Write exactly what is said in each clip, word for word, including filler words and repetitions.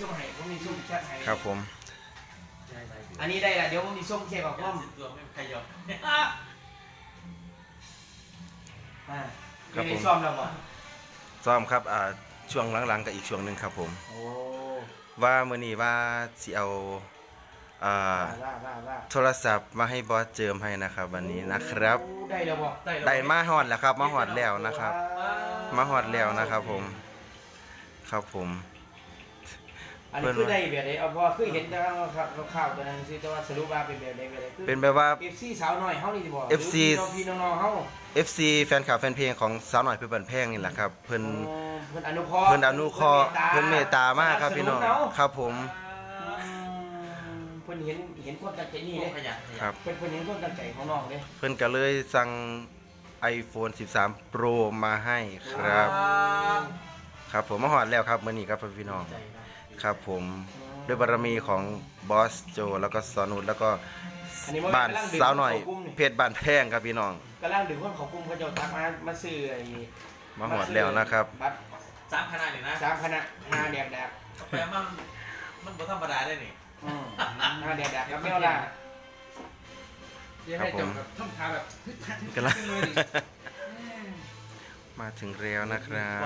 ส่งให้ผมมีส่งแชทให้ครับผมอันนี้ได้ละเดี๋ยวผมมีส่งแชทกับผมตัวไม่ขยับอ่าไม่ได้ซ่อมแล้วบ่ซ้อมครับอ่าช่วงหลังๆกับอีกช่วงหนึ่งครับผมโอ้ว่ามื้อนี้ว่าสิเอาอ่าโทรศัพท์มาให้บอสเจิมให้นะครับวันนี้นะครับได้แล้วบ่ได้มาฮอดแล้วครับมาฮอดแล้วนะครับมาฮอดแล้วนะครับผมครับผมอันนี้คือได้แบบไหนเอาพอคือเห็นแต่ครับข่าวตัวนั้นสิแต่ว่าสรุปว่าเป็นแบบไหนแบบไหนเป็นแบบว่าเอฟ ซี สาวน้อยเฮานี่สิบ่เอฟ ซีพี่น้องๆเฮาเอฟ ซี แฟนคลับแฟนเพลงของสาวหน่อยเพื่อนบันแพงนี่แหละครับเพิ่นเพิ่นอนุเคราะห์เพิ่นอนุเคราะห์เพิ่นเมตตามากครับพี่น้องครับผมเพิ่นเห็นเห็นความตั้งใจนี่เด้ครับเพิ่นเพิ่นเห็นความตั้งใจของน้องเด้เพิ่นก็เลยสั่ง iPhone สิบสาม Pro มาให้ครับครับผมมาฮอดแล้วครับมื้อนี้ครับพี่น้องครับผมด้วยบารมีของบอสโจแล้วก็สอนุชแล้วก็บ้านสาวหน่อยเพชรบ้านแพงครับพี่น้องกำลังดึงคนเขากลุ่มเขาเจ้าทักมามาซื้อไอ้มาหอดแล้วนะครับสามคณะนี่นะสามคณะห้าแดกแดกแปลมันมันบ่ธรรมดาได้นี่อืมห้าแดกแดกกับแมวล่ะครับผมทำท่าแบบกำลังมาถึงแล้วนะครับ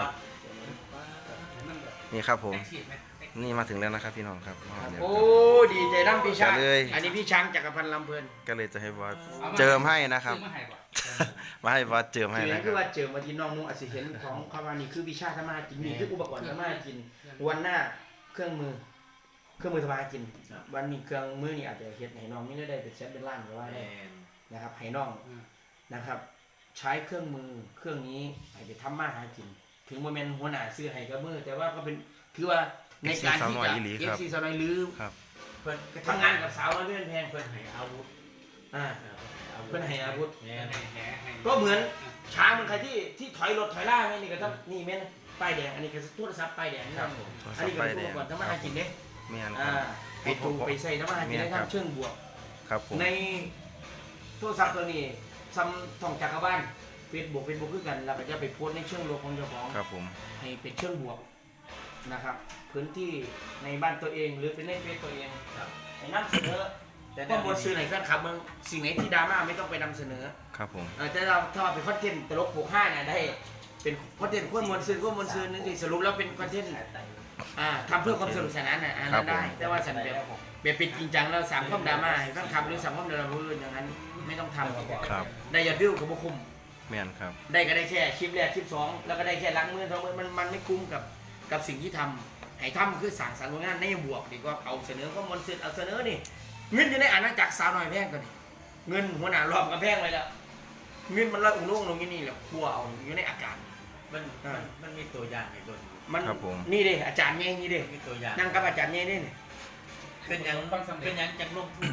นี่ครับผมนี่มาถึงแล้วนะครับพี่น้องครับโอ้ดีใจน้ำพี่ช้างอันนี้พี่ช้างจักรพันธ์ลำเพลินก็เลยจะให้บอสเจิมให้นะครับมาให้บอสเจิมให้นะคคือรับว่าเจิมมาที่น้องนุ่งอาจจะเห็นของคำว่านี่คือวิชาธรรมะกินนี่คืออุปกรณ์ธรรมะกินวันหน้าเครื่องมือเครื่องมือธรรมะกินวันนี้เครื่องมือนี่อาจจะเฮ็ดให้น้องไม่ได้เป็นแสนเป็นล้านหรือว่านะครับให้น้องนะครับใช้เครื่องมือเครื่องนี้ให้ไปทำมาหากินถึงโมเมนต์หัวหน้าซื้อให้กับมือแต่ว่าก็เป็นคือว่าในการที่จะเอฟซีสาวน้อยลืมเพื่อนทำงานกับสาวน้อยเลื่อนแพงเพื่อนให้อาวุธอ่าเพื่อนให้อาวุธก็เหมือนช้างมันใครที่ที่ถอยรถถอยล่าไงนี่ก็ต้องนี่เม้นป้ายแดงอันนี้ก็โทรศัพท์ป้ายแดงนี่อันนี้ก็เป็นอุปกรณ์ทำมาหากินเนี่ยอ่าไปตูไปใส่ทำมาหากินได้ทั้งเชิงบวกในโทรศัพท์ตัวนี้ซ้ำท่องจักรบ้านเฟซบุ๊กเฟซบุ๊กคือกันเราก็จะไปโพสในเชิงลบของเจ้าของให้เป็นเชิงบวกนะครับพื้นที่ในบ้านตัวเองหรือเป็นในเฟซตัวเองให้นำเสนอแต่ข้อมูลซื้อไหนแฟนคลับมึงสิ่งไหนที่ดราม่าไม่ต้องไปนำเสนอครับผมแต่เราถ้าเป็นคอนเทนต์ตลกโปกห้าเนี่ยได้เป็นคอนเทนต์ข้อมูลซื้อข้อมูลซื้อนึกถึงสรุปแล้วเป็นคอนเทนต์อ่าทำเพื่อความสนุกสนานน่ะอันนั้นได้แต่ว่าฉันแบบแบบเป็นจริงจังแล้วสามข้อมดราม่าให้แฟนคลับหรือสามข้อมดราม่าอื่นอย่างนั้นไม่ต้องทำครับได้ยอดวิวกับบุคุ้มแม่นครับได้ก็ได้แค่คลิปแรกคลิปสองแล้วก็ได้แค่ล้างมือสองมือมันมันไม่คุ้มกับกับสิ่งที่ทำให้ทำคือสั่งสรรค์งานในบวกดีกว่าเอาเสนอข้อมูลเสร็จเอาเสนอนี่เงินอยู่ในอาณาจักรสาวน้อยแพงตัวนี้เงินหัวหน้ารอบกับแพงเลยแล้วเงินมันลอยอุ้งลุ่งลงนี่แหละครัวเอาอยู่ในอากาศมันมันมีตัวอย่างในตัวมันนี่เด้อาจารย์ไงนี่เด้มีตัวอย่างนั่งกับอาจารย์ไงนี่เป็นอย่างเป็นอย่างจังลงทุน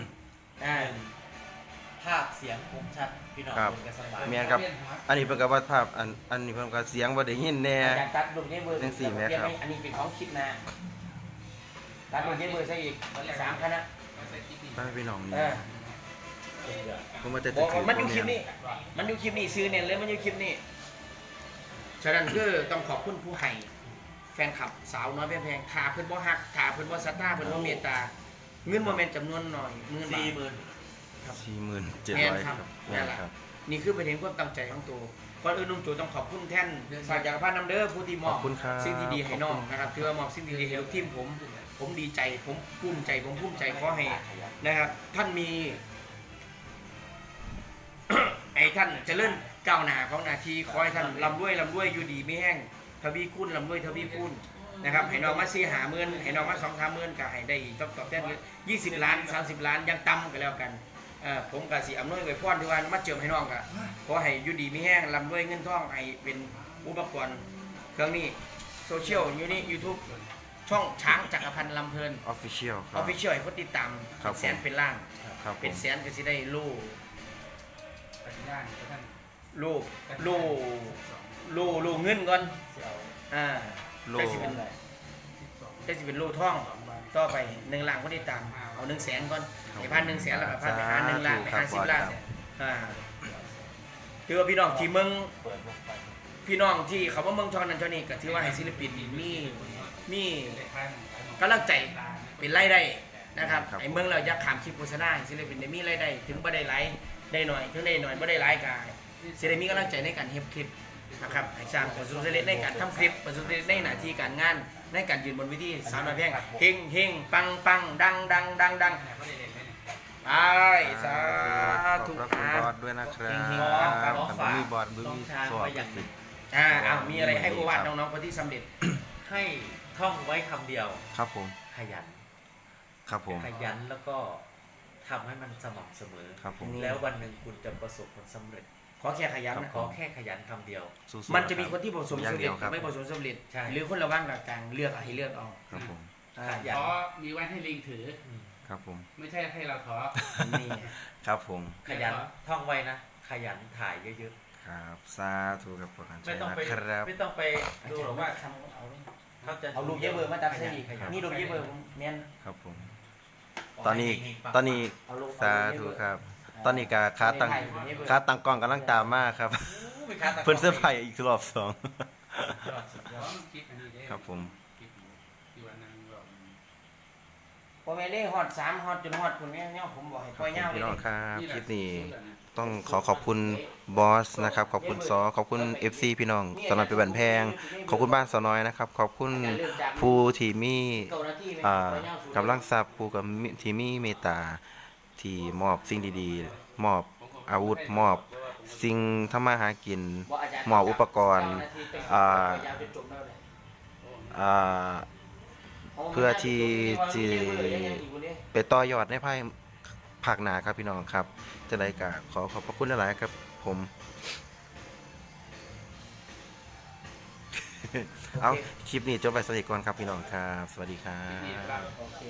ภาพเสียงคมชัดพี่น้องกันสบายเมียนครับอันนี้เป็นกับว่าภาพอันอันนี้เป็นกับเสียงว่าได้ยินแน่อยากตัดรูปนี้เบอร์จังสี่แม่ครับอันนี้เป็นของคิดนะตัดรูปนี้เบอร์ใส่อีกสามคณะป้าพี่น้องนี่ผมมาแต่ถือมันอยู่คลิปนี้มันอยู่คลิปนี้ซื้อเนี่ยเลยมันอยู่คลิปนี้ฉะนั้นคือต้องขอบคุณผู้ให้แฟนคลับสาวน้อยแพงๆถาเพิ่นบ่ฮักถาเพิ่นบ่ศรัทธาเพิ่นบ่เมตตาเงินโมเมนต์จำนวนหน่อยหมื่นบาทสี่หมื่นสี่หมื่นเจ็ดร้อยครับนี่คือเป็นเห็นความตั้งใจของตัวก่อนอื่นนุ่มโจต้องขอบคุณแท่นสายจักรพันธ์น้ำเด้อผู้ที่มอบสิ่งที่ดีให้น้องนะครับถือว่ามอบสิ่งที่ดีให้ลูกทีมผมผมดีใจผมภูมิใจผมภูมิใจขอให้นะครับท่านมีไอ้ท่านจะเลื่อนก้าวหน้าของนาทีขอให้ท่านลำด้วยลำด้วยอยู่ดีไม่แห้งทวีคูณลำด้วยทวีคูณนะครับให้น้องมาซีหาเมื่นให้น้องมาสองสามเมื่นก็ให้ได้ตอบตอบแทนยี่สิบล้านสามสิบล้านยังต่ำกันแล้วกันผมกับสีอำนวยไว้พรที่ว่ามาเจิมให้น้องกะขอให้อยู่ดีมีแห้งลำด้วยเงินทองให้เป็นอุปกรณ์เครื่องนี้โซเชียลอยู่นี่ยูทูบช่องช้างจักรพันธ์ลำเพลินออฟฟิเชียลออฟฟิเชียลให้คนติดตามแสนเป็นล้านเป็นแสนก็จะได้ลูกลูกลูกลูกลูกเงินก่อนอ่าลูกจะสิเป็นลูกท่องต่อไปหนึ่งล้านคนติดตามเอาหนึ่งแสนก่อนไอ้พันหนึ่งแสนแล้วก็พันไปหาหนึ่งล้านไปหาสิบล้านอ่าถือว่าพี่น้องที่เมืองพี่น้องที่เขาว่าเมืองชอนนั่นชอนนี่ก็ถือว่าให้ศิลปินมีมีกำลังใจเป็นรายได้นะครับไอ้เมืองเราอยากขามคลิปโฆษณาศิลปินได้มีรายได้ถึงบ่ได้หลายได้หน่อยถึงได้หน่อยบ่ได้หลายก็สิได้มีกำลังใจในการเฮ็ดคลิปนะครับให้สร้างประสบความสำเร็จในการทำคลิปประสบความสำเร็จในหน้าที่การงานในการยืนบนเวทีสาวน้อยแพงเฮงเฮงปังปังดังดังดังดังไปสาขธุอบคุณบอสด้วยนะครับเฮงๆปังๆแต่ผมมีบอสบึ้น้องมีช้างสวไว้บอย่างหนึ่งอ่าอ้าวมีอะไรให้โอวาทน้องๆคนที่สำเร็จให้ท่องไว้คำเดียวครับผมขยันครับผมขยันแล้วก็ทำให้มันสม่ำเสมอครับผมแล้ววันหนึ่งคุณจะประสบผลสำเร็จขอแค่ขยันนะขอแค่ขยันคำเดียวสู้ๆมันจะมีคนที่ประสบอคย่าวาง มเดีสำยวเร็จครับไม่ประสบความสำเร็จใช่หรือคนระว่างกลางๆเลือกเอาให้เลือกเอาครับผมขยันท้อมีไว้ให้ลิงถือครับผมไม่ใช่ให้เราท้อนี่ครับผมขยันท่องไว้นะ ขยันถ่ายเยอะครับสาธุกับประกันๆใจไม่ต้องนะไปครับไม่ต้องไปดูหรอกว่าทำเอาเขาจะเอาลูกเยอะเบอร์มาตัดเส้นอีกขยันนี่ลูกเยอะเบอร์ผมเมียนครับผมขตอนนี้ให้เฮงๆปังๆตอนนี้เอาลูกสาธุครับ ตอนนี้กาคาตังคาตังกล้องกำลังตามมากครับโอ้ยขาตะกร้เพิ่นเสื้อร์ไผ่อีกรอบสองยอดสุดยเพอราะดมันคิดอันนี้ได้ครับผมคิดที่วันนั้นแบบพอแม่เล่ฮอดสามฮอดจนฮอดคุณแม่เนี่ยผมบอกให้ปล่อยเงาเลพี่ยน้องครับคลิปนี้สุดอะะต้องขอขอบคุณบอสนะครับ ขอบคุณซอขอบคุณ เอฟ ซี พี่น้องสนอยเป็นบันแพง ขอบคุณบ้านสอน้อยนะครับ ขอบคุณผู้ที่มีเก้านาทีไหมอ่าปล่อยเงาสู่กำลังทรัพย์ผู้กับมิที่มีเมตตาที่มอบสิ่งดีๆ มอบอาวุธ มอบสิ่งทำมาหากินบอกอาจารย์หมออุปกรณ์เก้านาทีเป็นอ่าปล่อยยาวจนจบแล้วเลยอ่า เพื่อที่ที่ ไปต่อยอดในภายภาคหนาครับพี่น้องครับ จะได้กะขอขอบพระคุณหลายๆครับผม เอาคลิปนี้จบไปสวัสดีก่อนครับพี่น้องครับ สวัสดีครันี่บครับโอเค